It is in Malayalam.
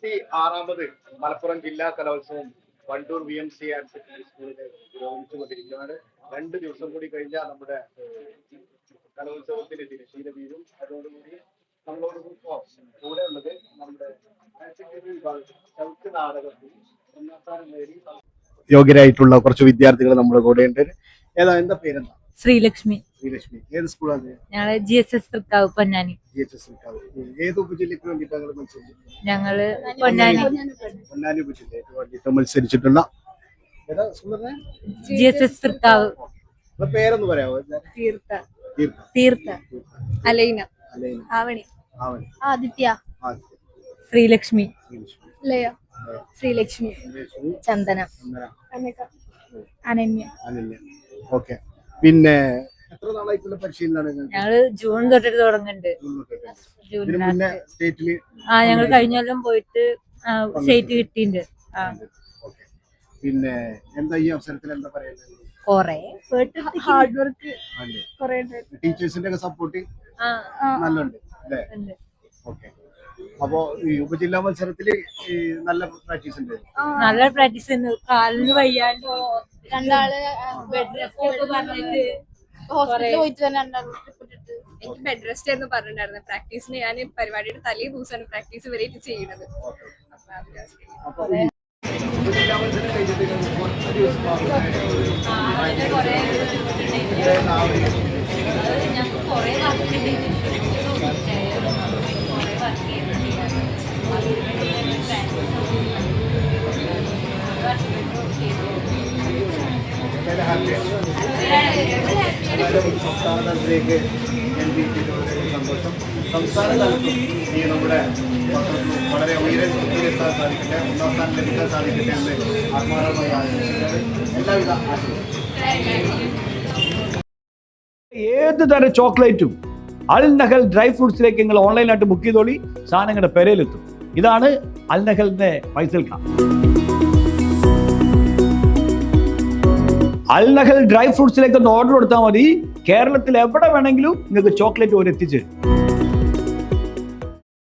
46ാമത് മലപ്പുറം ജില്ലാ കലോത്സവം വണ്ടൂർ VMC ആൻഡ് സെക്കൻഡറി സ്കൂളിൽ പുരോഗമിച്ചുകൊണ്ടിരിക്കുകയാണ്. 2 ദിവസം കൂടി കഴിഞ്ഞാൽ നമ്മുടെ കലോത്സവത്തിന് തിരശ്ശീല വീഴും. അതോടുകൂടി നമ്മളോട് കൂടെ ഉള്ളത് നമ്മുടെ ചൗക്ക് നാടകത്തിൽ 1ാം സ്ഥാനം നേടി യോഗ്യരായിട്ടുള്ള കുറച്ച് വിദ്യാർത്ഥികൾ നമ്മുടെ കൂടെ ഉണ്ട്. എന്താ പേരെന്താ? ശ്രീലക്ഷ്മി. ശ്രീലക്ഷ്മി ഏത് സ്കൂളാണ്? ഞങ്ങള് GSS തൃക്കാവ് പൊന്നാനി. ഏത് ഉപജില്ലയ്ക്ക് വേണ്ടിയിട്ടാണ് മത്സരിച്ചത്? ഞങ്ങള് പൊന്നാനി ഉപജില്ലയ്ക്ക് വേണ്ടിയിട്ട് മത്സരിച്ചിട്ടുള്ള GSS തൃക്കാവ്. പേരൊന്ന് പറയാമോ? തീർത്ഥ, അലൈന, ആവണി, ആദിത്യ, ശ്രീലക്ഷ്മി, ലയ, ശ്രീലക്ഷ്മി, ചന്ദന, അനന്യ. ഓക്കെ. പിന്നെ എത്ര നാളായിട്ടുള്ള പരിശീലനമാണ്? ഞങ്ങള് ജൂൺ തൊട്ടിട്ട് തുടങ്ങുന്നുണ്ട്. ഞങ്ങൾ കഴിഞ്ഞ കൊല്ലം പോയിട്ട് സ്റ്റേറ്റ് കിട്ടിയിട്ടുണ്ട്. പിന്നെ എന്താ ഈ അവസരത്തിൽ എന്താ പറയുന്നത്? ഹാർഡ് വർക്ക് ടീച്ചേഴ്സിന്റെ ഒക്കെ സപ്പോർട്ട് നല്ലുണ്ട് അല്ലേ? ഓക്കെ. അപ്പോ ഈ ഉപജില്ലാ മത്സരത്തില് നല്ല പ്രാക്ടീസ് ഉണ്ട്. നല്ല പ്രാക്ടീസ് ഉണ്ട്. കാലിന് വയ്യാണ്ട് രണ്ടാള് ബെഡ് റെസ്റ്റ് ഒക്കെ പറഞ്ഞിട്ട് ഹോസ്പിറ്റലിൽ പോയിട്ട് തന്നെ എനിക്ക് ബെഡ് റെസ്റ്റ് ആയിരുന്നു പറഞ്ഞിട്ടുണ്ടായിരുന്നത്. പ്രാക്ടീസിന് ഞാൻ പരിപാടിയുടെ തലേ ദിവസമാണ് പ്രാക്ടീസ് വരെയായിട്ട് ചെയ്യുന്നത്. സംസ്ഥാന തലത്തിലേക്ക് സന്തോഷം. സംസ്ഥാന തലത്തിൽ ഈ നമ്മുടെ വളരെ ഉയരത്തിലെത്താൻ സാധിക്കട്ടെ, 1ാം സ്ഥാനം ലഭിക്കാൻ സാധിക്കട്ടെ എന്ന് ആത്മാർത്ഥമായി ആശംസിക്കുന്നത്. എല്ലാവിധ ഏത് തരം ചോക്ലേറ്റും അൽ നഹൽ ഡ്രൈ ഫ്രൂട്ട്സിലേക്ക് നിങ്ങൾ ഓൺലൈനായിട്ട് ബുക്ക് ചെയ്തോളി, സാധനം നിങ്ങളുടെ പെരയിലെത്തും. ഇതാണ് അൽ നഹലിന്റെ ഫൈസൽ ഖാൻ. അൽ നഹൽ ഡ്രൈ ഫ്രൂട്ട്സിലേക്ക് ഒന്ന് ഓർഡർ കൊടുത്താൽ മതി. കേരളത്തിൽ എവിടെ വേണമെങ്കിലും നിങ്ങൾക്ക് ചോക്ലേറ്റ് ഒരു എത്തിച്ചേരും.